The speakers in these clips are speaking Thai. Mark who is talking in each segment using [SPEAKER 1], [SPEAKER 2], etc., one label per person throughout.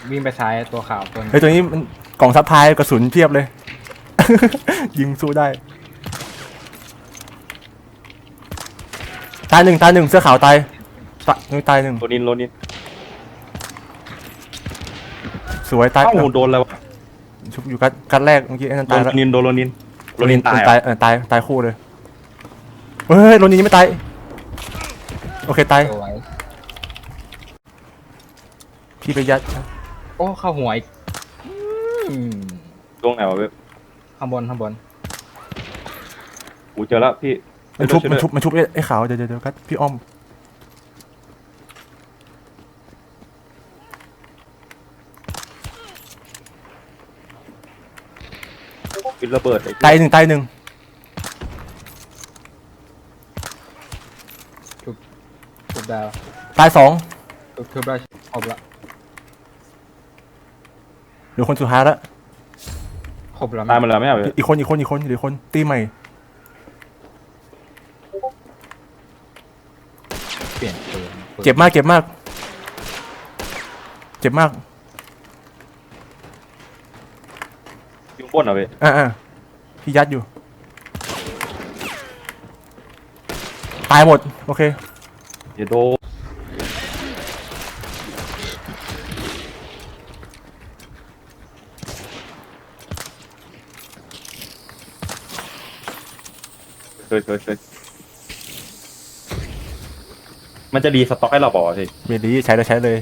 [SPEAKER 1] วิ่งไปซ้ายตัวขาวตัว
[SPEAKER 2] เฮ้ยตัวนี้มันกล่องซัพพลายกระสุนเพียบเลย ยิงสู้ได้ตายหนึ่งเสื้อขาวตายตายหนึ่ง
[SPEAKER 3] โรนิน
[SPEAKER 2] สวยตาย
[SPEAKER 3] เอ้าโดนแล้ว
[SPEAKER 2] ชุบอยู่กัดแรกเมื่อกี้ไอ้นั่นตายแล้ว
[SPEAKER 3] โรนินตาย
[SPEAKER 2] ตายคู่เลยเฮ้ยโรนินยังไม่ตายโอเคตาย
[SPEAKER 1] สวย
[SPEAKER 2] พี่ไปยัด
[SPEAKER 1] โอ้เข้าหัวอีก
[SPEAKER 3] ตรงไหนวะเว็บ
[SPEAKER 1] ข้างบน
[SPEAKER 3] กูเจอแล้วพี่
[SPEAKER 2] มันชุบไอ้ขาวเดี๋ยวกัดพี่อ้อม
[SPEAKER 3] ปิดระเบิด
[SPEAKER 2] ตายหนึ่ง
[SPEAKER 1] ทุบดาว
[SPEAKER 2] ตายสอง
[SPEAKER 1] ทุบได้ครบละ
[SPEAKER 2] เหลือคนสุดท้ายแล้ว
[SPEAKER 1] ครบแล้ว
[SPEAKER 3] ตายมาแล้วไม่เอา
[SPEAKER 2] อีกคนเหลือคนตีใหม่
[SPEAKER 1] เปลี่ยนปืน
[SPEAKER 2] เจ็บมาก
[SPEAKER 3] ยุ่งบนเหรอเว้ย
[SPEAKER 2] พี่ยัดอยู่ตายหมดโอเค
[SPEAKER 3] เดี๋ยวโดเคยมันจะรีสต็อกให้เราบอกสิ
[SPEAKER 2] เมลีใช้เลย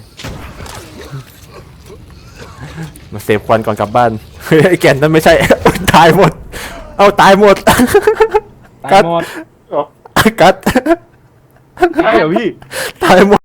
[SPEAKER 2] มาเซฟควันก่อนกลับบ้านเฮ้ยไอ้แก่นนั่นไม่ใช่ ตายหมดตายหมด
[SPEAKER 1] ตายหมด
[SPEAKER 2] กัด
[SPEAKER 3] ใช่เหรอพี่
[SPEAKER 2] ตายหมด